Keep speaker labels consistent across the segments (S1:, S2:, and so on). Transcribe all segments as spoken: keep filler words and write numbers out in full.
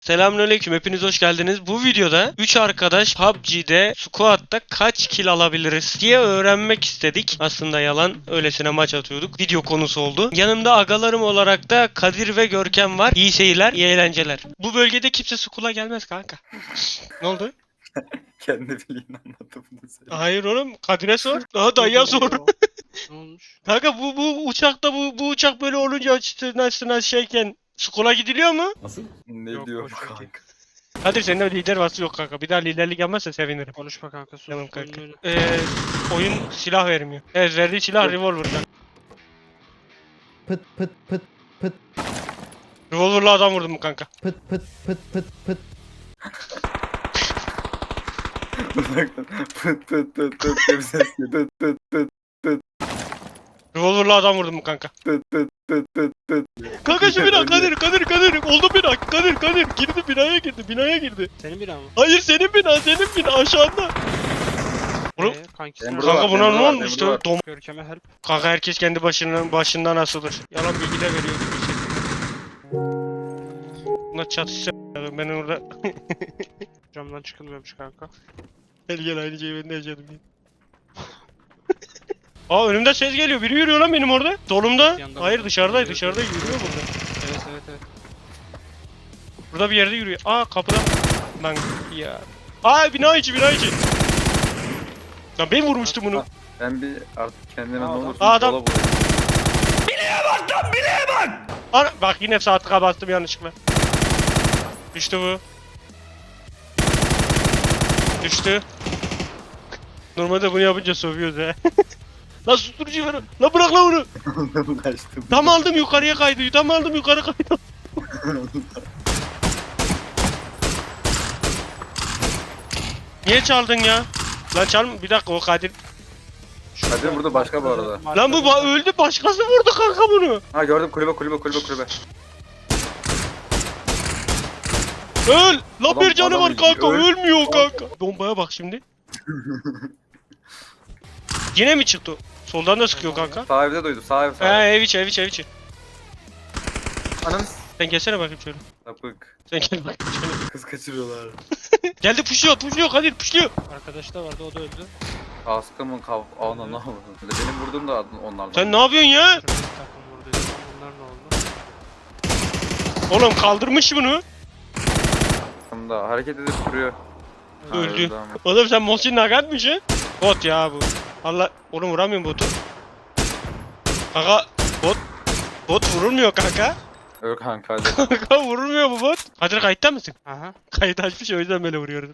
S1: Selamünaleyküm, hepiniz hoş geldiniz. Bu videoda üç arkadaş P U B G'de squad'da kaç kill alabiliriz diye öğrenmek istedik. Aslında yalan, öylesine maç atıyorduk. Video konusu oldu. Yanımda agalarım olarak da Kadir ve Görkem var. İyi seyirler, iyi eğlenceler. Bu bölgede kimse squad'a gelmez kanka. Ne oldu?
S2: Kendi bildiğin anlattı bunu söyle.
S1: Hayır oğlum, Kadir'e sor. Daha dayıya sor.
S3: Ne olmuş?
S1: Kanka bu bu uçakta bu bu uçak böyle olunca açtığına sığına şeyken squad'a gidiliyor mu?
S2: Ne
S3: Yok,
S2: diyor
S3: boş ver.
S2: kanka?
S1: Kadir senin de lider vasfı yok kanka. Bir daha liderlik yapmazsa sevinirim.
S3: Konuşma kanka, sus.
S1: Tamam kanka.
S3: Oyun
S1: Ee, oyun silah vermiyor. Evet, verdiği silah revolver'dan.
S4: Pıt pıt pıt pıt
S1: Revolver'la adam vurdum kanka.
S4: pıt pıt pıt pıt pıt.
S2: Uzaktan pıt pıt pıt pıt diye bir ses geliyor. Pıt pıt pıt
S1: Revolver'la adam vurdum kanka.
S2: pıt pıt pıt pıt pıt.
S1: Kanka şu bina Kadir Kadir Kadir. Oldu bina Kadir Kadir. Girdi binaya girdi binaya girdi.
S3: Senin bina mı?
S1: Hayır senin bina senin bina aşağıda. Oğlum,
S3: Ee, kankisi
S2: Ben
S3: nerede?
S2: burada-
S1: Kanka
S2: var,
S1: buna
S2: benim
S1: ne
S2: burada var,
S1: olmuş
S2: benim
S1: işte? Dom
S3: Görkem'e help.
S1: Kanka herkes kendi başından başından asılır. Yalan bilgi de veriyor gibi hissediyorum. Buna çatışacak. Ben orada
S3: Camdan çıkılmıyormuş kanka.
S1: gel gel aynı şeyi ben de yaşadım. Aa önümde ses geliyor. Biri yürüyor lan benim orada. Solumda.
S3: Yandan
S1: Hayır
S3: bak.
S1: dışarıdaydı.
S3: Evet,
S1: Dışarıda
S3: evet.
S1: yürüyor burada.
S3: Evet evet evet.
S1: Burada bir yerde yürüyor. Aa kapıda. Lan ya. Aa bina içi bina içi. Lan ben vurmuştum bunu.
S2: Ben bir artık kendime ne
S3: Aa, adam-
S2: olursun
S1: Aa, adam-
S2: sola vurayım.
S1: Ana bak yine sağ tıka bastım yanlışlıkla. Düştü bu. Düştü. Normalde bunu yapınca sövüyoruz he. Lan susturucu ver. Lan bırak lan onu.
S2: Kaçtım.
S1: Tam aldım yukarıya kaydı. Tam aldım yukarı kaydı. Niye çaldın ya? Lan çalma bir dakika o Kadir.
S2: Kadir burada başka bu arada.
S1: Lan bu ba- öldü başkası vurdu kanka bunu.
S2: Ha gördüm kulübe kulübe kulübe kulübe.
S1: Öl! Lan
S2: Adam-
S1: bir canı
S2: adam
S1: var kanka
S2: öl-
S1: ölmüyor kanka. Bombaya bak şimdi. Yine mi çıktı? Soldan da sıkıyor kanka.
S2: Sağ evde duydum sağ ev
S1: He
S2: sağ ev.
S1: ev içi ev içi ev içi.
S2: Ananı
S1: Sen gelsene bakayım şöyle.
S2: sapık.
S1: Sen gel bakayım şöyle.
S2: Kız kaçırıyorlar.
S1: Geldi puşluyor puşluyor Kadir puşluyor.
S3: Arkadaş da vardı, o da öldü.
S2: Kaskımın kav... Ana ne oldu? Benim vurduğum da onlardan.
S1: Sen ne yapıyorsun ya?
S3: Şurada bir takım vurdu. Onlar ne oldu?
S1: Oğlum kaldırmış bunu.
S2: Da hareket edip duruyor. Ha,
S1: Öldü.
S2: ama.
S1: Oğlum sen Mosin Nagat'mışsın. Bot ya bu. Allah oğlum vuramıyorum botu. Kanka bot bot vurulmuyor kanka.
S2: Öl kanka hadi.
S1: Kanka vurulmuyor bu bot. Kadir kayıtta mısın?
S3: Aha.
S1: Kayıt açmış o yüzden böyle vuruyorum.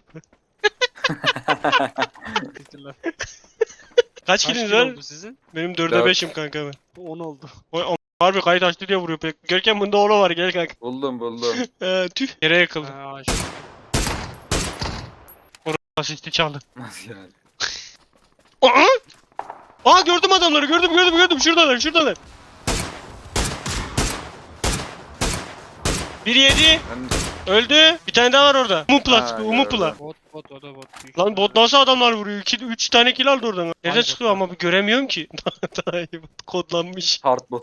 S3: Teşekkürler.
S1: Kaç
S3: Kaç
S1: kiliniz
S3: kill
S1: var?
S3: oldu sizin?
S1: Benim dörde
S2: Dört.
S1: beşim kanka ben.
S3: on oldu.
S1: Oy, am- harbi kayıt açtı diye vuruyor pek. Görkem bunda oğlu var gel kanka.
S2: Buldum buldum.
S1: Ee, tüh. Yere yakıldı.
S3: Ha, ağaç.
S1: Asisti çaldı.
S2: Nasıl yani?
S1: Aa! Aa gördüm adamları gördüm gördüm gördüm şuradalar şuradalar. Bir yedi.
S2: Ben
S1: Öldü. Bir tane daha var orada. Umupla
S2: Ha,
S1: sıkıyor umupla.
S3: Bot bot, o da bot. Büyük
S1: Lan bot
S3: ihtimalle.
S1: nasıl adamlar vuruyor? iki üç tane kill aldı oradan. Nereden
S3: Ay,
S1: çıkıyor
S3: bot.
S1: ama bir göremiyorum ki. Daha iyi bot. Kodlanmış.
S2: hard bot.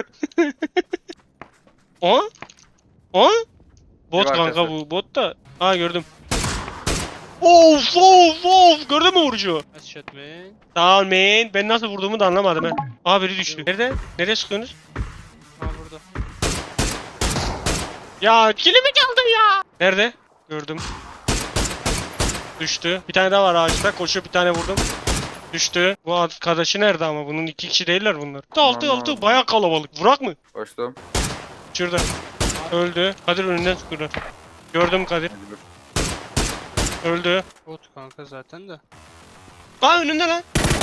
S1: O? O? Bot
S2: Bir
S1: kanka
S2: arkası.
S1: bu. Bot da. Ha gördüm. Of of of. Gördün mü vurucu?
S3: Nice shot man.
S1: Tamam man. Ben nasıl vurduğumu da anlamadım he. Aa biri düştü. Nerede? Nereye sıkıyorsunuz?
S3: Ha burada.
S1: Ya kilimi çaldın ya. Nerede? Gördüm. Düştü. Bir tane daha var ağaçta. Koşuyor bir tane vurdum. Düştü. Bu arkadaşı nerede ama? Bunun iki kişi değiller bunlar. Altı
S2: Aman
S1: altı
S2: Allah'ım.
S1: bayağı kalabalık. Vurak mı?
S2: Koştum.
S1: Şurada. Öldü. Kadir önünden sıkıyor. Gördüm Kadir.
S2: Hadi dur.
S1: Öldü.
S3: Bot kanka zaten de.
S1: Aa önünde lan.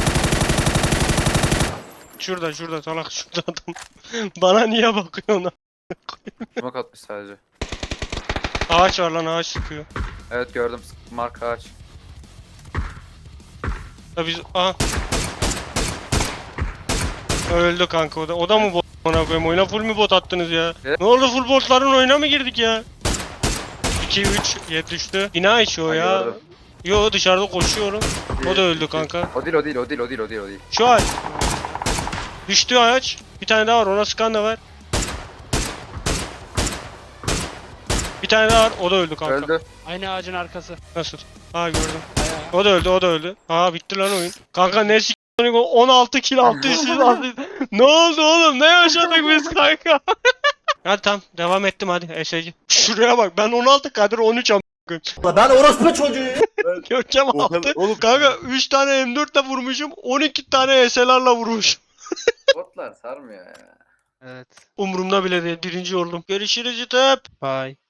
S1: Şurada şurada salak şurada adam. Bana niye bakıyorsun lan?
S2: Smoke atmış sadece.
S1: Ağaç var lan ağaç sıkıyor.
S2: Evet gördüm. Mark ağaç.
S1: Ya biz aha. Öldü kanka o da. O da mı bot? Ona koyayım oyuna full mü bot attınız ya?
S2: Evet.
S1: Ne oldu full botların oyuna mı girdik ya? iki üç yedi düştü. Bina içi o
S2: Ha,
S1: ya.
S2: gördüm.
S1: Yo dışarıda koşuyorum. O da öldü kanka.
S2: O değil o değil o değil o değil o değil o değil.
S1: Şu ağaç. Düştü ağaç. Bir tane daha var ona sıkan da var. Bir tane daha var. O da öldü kanka.
S2: Öldü.
S3: Aynı ağacın arkası.
S1: Nasıl? Ha gördüm.
S3: Bayağı.
S1: O da öldü, o da öldü. Ha bitti lan oyun. Kanka ne s*** on altı kill altı yüz Ne oldu oğlum? Ne yaşadık biz kanka? Hadi tamam devam ettim hadi S G. Şuraya bak ben on altı Kadir on üç am.
S4: Ben orospu çocuğuyum.
S1: Görkem
S2: O
S1: altı.
S2: kadar- oğlum-
S1: Kanka üç tane M dört ile vurmuşum. on iki tane S L'larla vurmuşum.
S2: Botlar sarmıyor ya.
S3: Evet.
S1: Umurumda bile değil. Birinci oldum. Görüşürüz YouTube.
S3: Bye.